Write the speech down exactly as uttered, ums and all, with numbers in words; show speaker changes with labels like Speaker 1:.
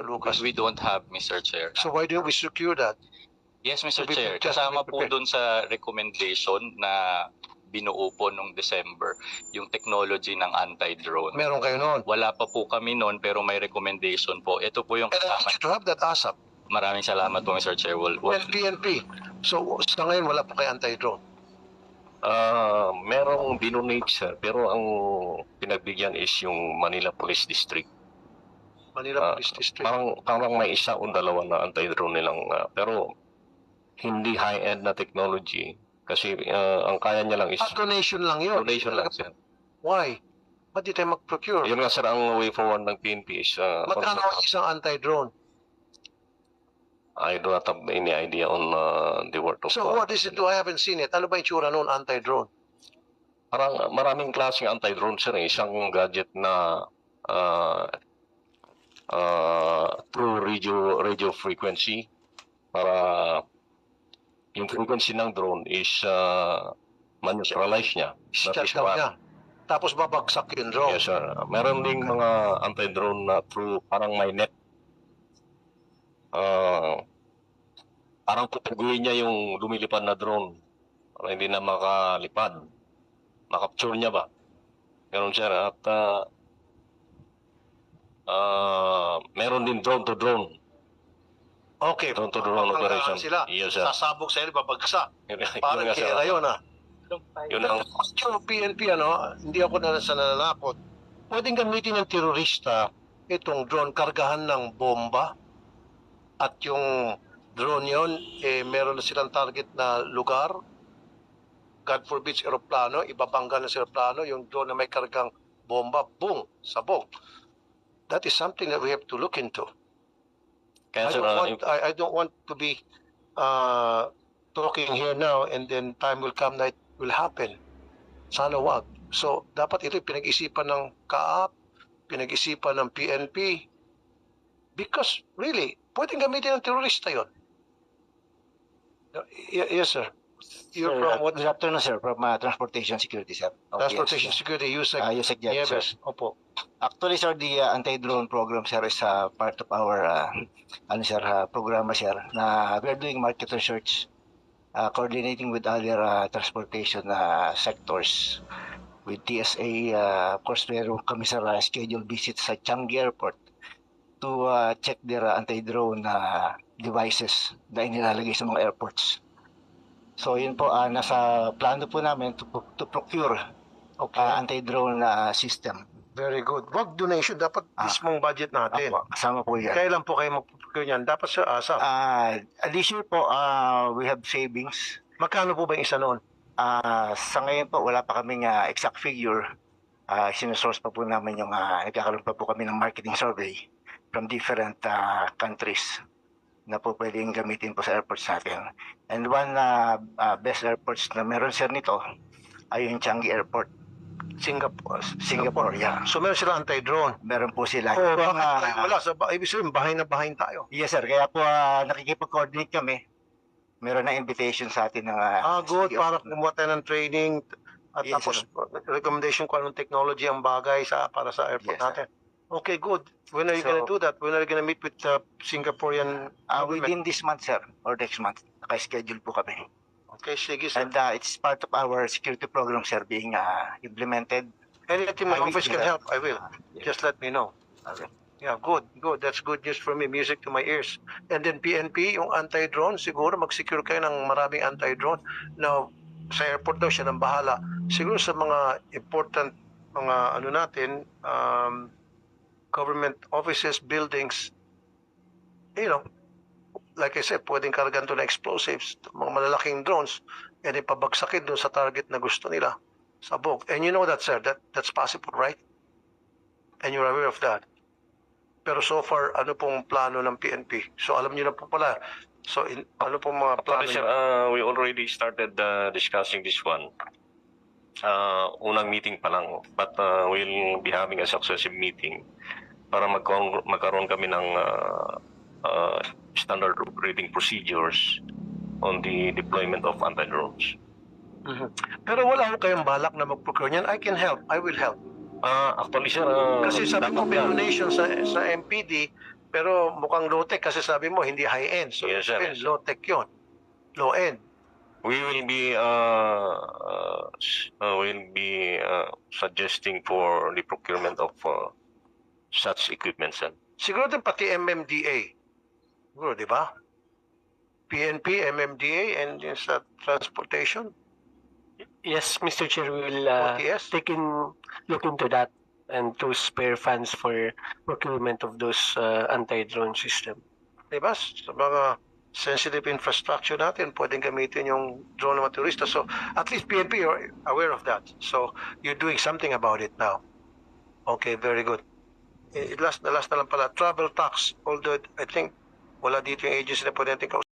Speaker 1: Lucas.
Speaker 2: We don't have, Mister Chair.
Speaker 1: So why don't we secure that?
Speaker 2: Yes, Mister
Speaker 1: to be-
Speaker 2: Chair.
Speaker 1: just to be
Speaker 2: Kasama po
Speaker 1: prepared.
Speaker 2: dun sa recommendation na binuo po nung December, yung technology ng anti-drone.
Speaker 1: Meron kayo noon.
Speaker 2: Wala pa po kami noon pero may recommendation po. Ito po yung
Speaker 1: And I
Speaker 2: kasama.
Speaker 1: need you to have that ASAP.
Speaker 2: Maraming salamat po, Mister Chair. We'll, we'll,
Speaker 1: And P N P. So sa ngayon wala pa kayo anti-drone.
Speaker 3: Ah, merong dinonate sir, pero ang pinagbigyan is yung Manila Police District.
Speaker 1: Manila
Speaker 3: Ah,
Speaker 1: Police District.
Speaker 3: Parang, parang may isa o dalawa na anti-drone nilang, ah, pero hindi high-end na technology kasi ah, ang kaya niya lang is
Speaker 1: Ah, donation lang yun.
Speaker 3: donation lang sir.
Speaker 1: Why? Ba't di tayo mag-procure?
Speaker 3: Yun nga sir, ang way forward ng P N P is ah,
Speaker 1: Magkano ang isang anti-drone?
Speaker 3: I do not have any idea on ah, the worth of
Speaker 1: So
Speaker 3: ah,
Speaker 1: what is it? I haven't seen it. Ano ba yung tsura noon anti-drone?
Speaker 3: Parang maraming klaseng anti-drone sir, eh. Isang gadget na ah, ah, through radio radio frequency para yung frequency ng drone is uh, man-neutralize niya. That
Speaker 1: Shut
Speaker 3: is
Speaker 1: down
Speaker 3: one.
Speaker 1: niya. Tapos babagsak yung drone.
Speaker 3: Yes sir. Meron ding mga anti-drone na through parang may net. Ah, parang tutuguin niya yung lumilipad na drone para hindi na makalipad. Makapture niya ba? Ganun sir. At ah, ah, meron din drone to drone.
Speaker 1: Okay.
Speaker 3: Drone to drone
Speaker 1: Papanggaan
Speaker 3: operation.
Speaker 1: Sila.
Speaker 3: Yes sir.
Speaker 1: Sasabog sa iyo, babagsak.
Speaker 3: Yun, yun
Speaker 1: Parang
Speaker 3: nga, sir.
Speaker 1: kera yun ah.
Speaker 3: Yun ang
Speaker 1: Yung P N P ano, hindi ako na sa nananakot. Pwedeng gamitin ng terorista itong drone kargahan ng bomba at yung drone yon eh meron na silang target na lugar. God forbids aeroplano, ibabangga na sa aeroplano, yung drone na may kargang bomba, boom, sabog. That is something that we have to look into.
Speaker 3: kaya
Speaker 1: I
Speaker 3: sir,
Speaker 1: don't
Speaker 3: ah,
Speaker 1: want, I, I don't want to be uh, talking here now and then time will come that it will happen. Sana wag. So, dapat ito pinag-isipan ng K A A P, pinag-isipan ng P N P. Because, really, pwedeng gamitin ng terorista yon. Y- yes, sir. You're
Speaker 4: Sir,
Speaker 1: from
Speaker 4: uh,
Speaker 1: what?
Speaker 4: Good afternoon, sir. From uh, Transportation Security, sir. O P S,
Speaker 1: Transportation
Speaker 4: sir.
Speaker 1: Security, U S E C.
Speaker 4: Uh, U S E C, yeah, sir.
Speaker 1: Nieves. Opo.
Speaker 4: Actually, sir, the uh, anti-drone program, sir, is uh, part of our uh, ano, sir, uh, program, sir, na we are doing market research, uh, coordinating with other uh, transportation uh, sectors. With T S A, uh, of course, meron kami, sir, uh, scheduled visits sa Changi Airport to uh, check their uh, anti-drone uh, devices na inilalagay sa mga airports. So yun po, uh, nasa plano po namin to, to procure
Speaker 1: Okay.
Speaker 4: uh, anti-drone uh, system.
Speaker 1: Very good. Wag donation. Dapat
Speaker 4: Ah.
Speaker 1: mismong budget natin.
Speaker 4: Apo, kasama po yan.
Speaker 1: Kailan po kayo mag-procure niyan? Dapat sa ASAP.
Speaker 4: Uh, this year po, uh, we have savings.
Speaker 1: Magkano po ba yung isa noon?
Speaker 4: Uh, sa ngayon po, wala pa kaming uh, exact figure. Uh, sinusource pa po namin yung, uh, nagkakaroon pa po kami ng marketing survey from different uh, countries na po pwedeng gamitin po sa airports natin. And one uh, uh, best airports na meron sir nito ay yung Changi Airport,
Speaker 1: Singapore.
Speaker 4: Singapore. Yeah.
Speaker 1: So meron sila anti-drone.
Speaker 4: Meron po sila.
Speaker 1: Oh,
Speaker 4: Yung,
Speaker 1: bakit
Speaker 4: uh,
Speaker 1: tayo wala? Sa, ibig sabihin, bahay na bahay tayo.
Speaker 4: Yes sir, kaya po uh, nakikipag-coordinate kami. Meron na invitation sa atin ng
Speaker 1: Ah,
Speaker 4: uh,
Speaker 1: good.
Speaker 4: City of-
Speaker 1: Para kumuha tayo ng training. At
Speaker 4: Yes,
Speaker 1: tapos,
Speaker 4: sir.
Speaker 1: recommendation kung anong technology ang bagay sa para sa airport
Speaker 4: Yes, sir.
Speaker 1: natin. Okay, good. When are you
Speaker 4: So-
Speaker 1: gonna do that? When are you gonna meet with the Singaporean
Speaker 4: Uh,
Speaker 1: government?
Speaker 4: within this month, sir, or next month, naka-schedule po kami.
Speaker 1: Okay, sige, sir.
Speaker 4: And uh, it's part of our security program, sir, being uh, implemented.
Speaker 1: Anything my
Speaker 4: I will
Speaker 1: office
Speaker 4: do
Speaker 1: can
Speaker 4: that.
Speaker 1: help, I will.
Speaker 4: Yes.
Speaker 1: Just let me know.
Speaker 4: Okay.
Speaker 1: Yeah, good, good. That's good news for me. Music to my ears. And then P N P, yung anti-drone, siguro mag-secure kayo ng maraming anti-drone. Now, sa airport daw siya nang bahala. Siguro sa mga important mga ano natin, um, government offices, buildings, you know, like I said, pwedeng kargan to na explosives, mga malalaking drones, and ipabagsakin doon sa target na gusto nila. Sabog. And you know that, sir, that that's possible, right? And you're aware of that. Pero so far, ano pong plano ng P N P? So alam niyo na po pala. So in, ano pong mga plano
Speaker 3: Actually, sir,
Speaker 1: niyo?
Speaker 3: uh, we already started uh, discussing this one. Uh, unang meeting pa lang, but uh, we'll be having a successive meeting para magkaroon, magkaroon kami ng uh, uh, standard operating procedures on the deployment of anti-drones.
Speaker 1: Mhm. Pero wala ko kayong balak na mag-procure niyan. I can help. I will help.
Speaker 3: Uh, actually, sir, uh,
Speaker 1: Kasi sabi ko,
Speaker 3: dapat
Speaker 1: may
Speaker 3: yan.
Speaker 1: donation sa, sa M P D, Pero mukhang low-tech kasi sabi mo hindi high-end. So,
Speaker 3: Yes, sir.
Speaker 1: yes, low-tech yun. Low-end.
Speaker 3: We will be uh, uh, s- uh, will be uh, suggesting for the procurement of uh, such equipment, sir.
Speaker 1: Siguro din pati M M D A. Siguro, di ba? P N P, M M D A, and yung sa transportation,
Speaker 5: Yes, Mister Chair, we will uh,
Speaker 1: O T S.
Speaker 5: take in, look into that and to spare funds for procurement of those uh, anti-drone system.
Speaker 1: Di ba? Sa mga sensitive infrastructure natin, pwedeng gamitin yung drone ng mga turista. So, at least P N P, you're aware of that. So, you're doing something about it now. Okay, very good. Eh, last na last na lang pala, travel tax. Although, I think, wala dito yung agency na pwede natin kausapin.